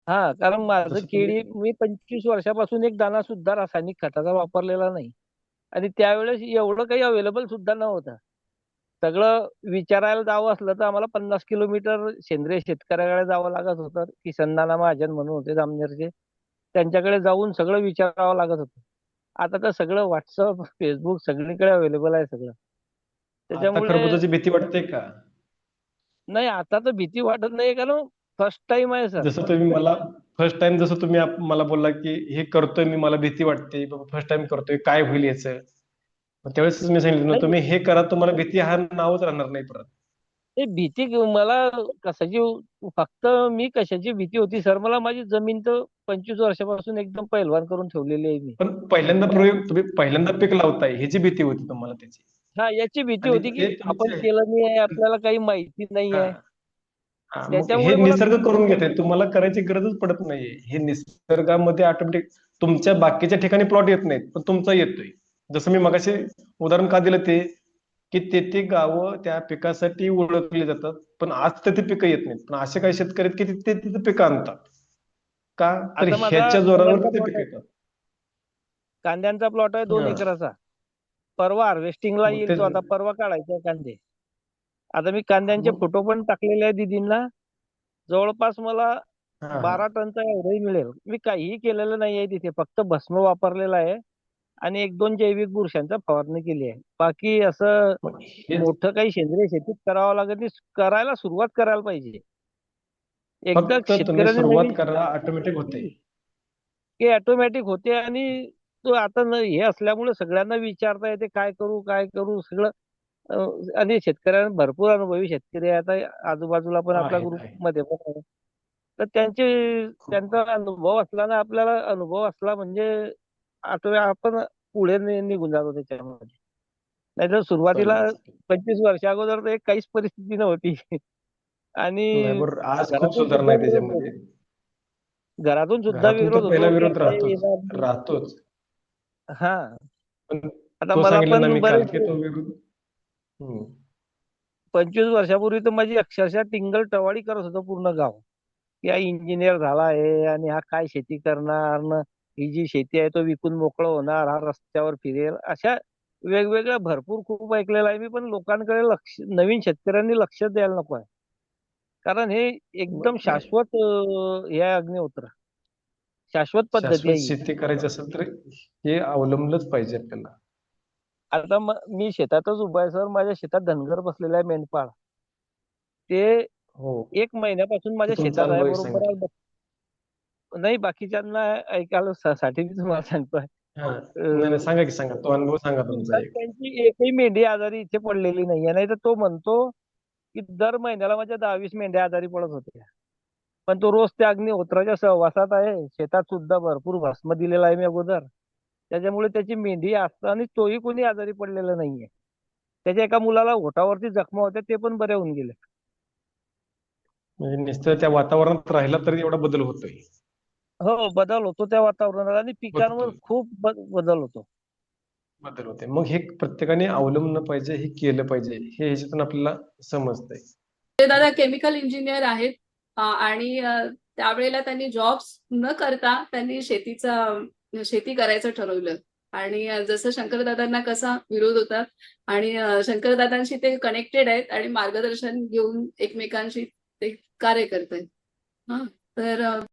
हा, कारण माझं जसं तुम्ही केळी मी 25 वर्षापासून एक दाणा सुद्धा रासायनिक खताचा वापरलेला नाही. आणि त्यावेळेस एवढं काही अवेलेबल सुद्धा नव्हतं. सगळं विचारायला जावं असलं तर आम्हाला 50 किलोमीटर सेंद्रिय शेतकऱ्याकडे जावं लागत होतं. किसन नाना महाजन म्हणून होते जामनेरचे. त्यांच्याकडे जाऊन सगळं विचारावं लागत होतं. आता तर सगळं व्हॉट्सअप, फेसबुक सगळीकडे अवेलेबल आहे सगळं. आता त्याच्यामुळे खरबुजाची भीती वाटते का? नाही, आता तर भीती वाटत नाही, कारण फर्स्ट टाइम आहे सर. जसं तुम्ही मला फर्स्ट टाइम जसं तुम्ही मला बोलला की हे करतोय मी, मला भीती वाटते बाबा, फर्स्ट टाइम करतोय काय होईल याचं. मग त्यावेळेस मी सांगितलं ना, नाही, तुम्ही हे करा, तुम्हाला भीती हा नावच राहणार नाही परत. ते भीती मला कशाची, फक्त मी कशाची भीती होती सर, मला माझी जमीन तर 25 वर्षापासून एकदम पैलवान करून ठेवलेली आहे मी. पण पहिल्यांदा प्रयोग तुम्ही पहिल्यांदा पीक लावताय ह्याची भीती होती तुम्हाला त्याची. हा, याची भीती आणि होती की ते आपण तुमचे केलं नाही आहे, आपल्याला काही माहिती नाही हा आहे. हा, मग हे त्याच्यामुळे मला निसर्ग करून घेते, तुम्हाला करायची गरजच पडत नाहीये. हे निसर्गामध्ये ऑटोमॅटिक तुमच्या बाकीच्या ठिकाणी प्लॉट येत नाहीत, पण तुमचा येतोय. जसं मी मगाशी उदाहरण का दिलं ते, की ते गावं त्या पिकासाठी ओळखली जातात, पण आज तर ते पिकं येत नाहीत. पण असे काही शेतकरी आहेत की ते तिथे पिकं आणतात. का तर आता माझा ह्याच्या जोरावर कांद्यांचा ते प्लॉट पिकं आहे. येतात. कांद्यांचा प्लॉट आहे 2 हा, एकराचा. परवा हार्वेस्टिंगला मग येईल ते तो, आता परवा काढायचा कांदे. आता मी कांद्यांचे मग फोटो पण टाकलेले आहे दीदींना. जवळपास मला हा हा 12 टनचा एवढंही मिळेल. मी काहीही केलेलं नाही आहे तिथे, फक्त भस्म वापरलेलं आहे आणि 1-2 जैविक बुरशांचा फवारणी केली आहे. बाकी असं मग हेच मोठं काही सेंद्रिय शेतीत करावं लागत नाही. करायला सुरुवात करायला पाहिजे. एकदा फक्त तुम्ही शेतकऱ्याने सुरुवात नवीन करा, ऑटोमॅटिक होते. हे ऑटोमॅटिक होते. आणि तो आता हे असल्यामुळे सगळ्यांना विचारता येते काय करू काय करू सगळं. अ, आणि शेतकऱ्यांना भरपूर अनुभवी शेतकरी आहे आता आजूबाजूला पण, आपल्या आहेत ग्रुप आहे. मध्ये पण आहे. तर त्यांचा अनुभव असला ना, आपल्याला अनुभव असला म्हणजे आपण पुढे निघून जातो त्याच्यामध्ये. नाहीतर सुरुवातीला चालेल चालेल. 25 वर्षा अगोदर तर एक काहीच परिस्थिती नव्हती. नाही आणि बरोबर, आज खूप घरातून सुधारणा सुद्धा आहे विरोध होता. त्याच्यामध्ये. घरातून सुद्धा घरातून विरोध तर पहिला होतो की विरोध आता हे राहतोच. येणार नाही. राहतोच. हा, पण आता तो मला सांगितलं ना पण मी काल, की बरेच तो विरोध. हम्म. 25 वर्षापूर्वी तर माझी अक्षरशः टिंगल टवाळी करत होतं पूर्ण गाव, की हा इंजिनियर झाला आहे आणि हा काय शेती करणार न, ही जी शेती आहे तो विकून मोकळं होणार, हा रस्त्यावर फिरेल, अशा वेगवेगळ्या भरपूर खूप ऐकलेलं आहे मी. पण लोकांकडे लक्ष, नवीन शेतकऱ्यांनी लक्ष द्यायला नको आहे. कारण हे एकदम नाही, शाश्वत हे आहे, अग्निहोत्र शाश्वत पद्धती शाश्वत आहे ही. शेती करायची असेल तर हे अवलंबलंच पाहिजे आपल्याला. आता मी शेतातच उभा आहे सर, माझ्या शेतात धनगर बसलेला आहे मेंढपाळ. ते हो, 1 महिन्यापासून तो माझ्या तुमचा शेतात आहे, अनुभव एक बरोबर सांगितला. आहे. नाही, बाकीच्यांना ऐकायला साठी मी तुम्हाला सांगतोय. हा, नाही नाही, सांगा की सांगा, तो अनुभव सांगा तुमचा सुद्धा एक. त्यांची एकही मेंढी आजारी इथे पडलेली नाहीये. नाही तर तो म्हणतो की दर महिन्याला माझ्या 10-20 मेंढ्या आजारी पडत होत्या. पण तो रोज त्या अग्निहोत्राच्या सहवासात आहे. शेतात सुद्धा भरपूर भस्म दिलेला आहे मी अगोदर. त्याच्यामुळे त्याची मेंढी असताना तोही कोणी आजारी पडलेला नाहीये. त्याच्या एका मुलाला ओठावरती जखमा होत्या, ते पण बरे होऊन गेले. म्हणजे नुसतं त्या वातावरणात राहिला तरी एवढा बदल होतोय. हो, बदल होतो त्या वातावरणात आणि पिकांवर होतोय. खूप बदल होतो. बदल होते. मग हे प्रत्येकाने अवलंबलं पाहिजे, हे केलं पाहिजे, हे ह्याच्यातून आपल्याला समजतंय. ते दादा केमिकल इंजिनियर आहेत. आणि त्यावेळेला त्यांनी जॉब्स न करता त्यांनी शेती करायचं ठरवलं. आणि जसं शंकरदादांना कसा विरोध होता, आणि शंकरदादांशी ते कनेक्टेड आहेत आणि मार्गदर्शन घेऊन एकमेकांशी ते कार्य करतायत. हा, तर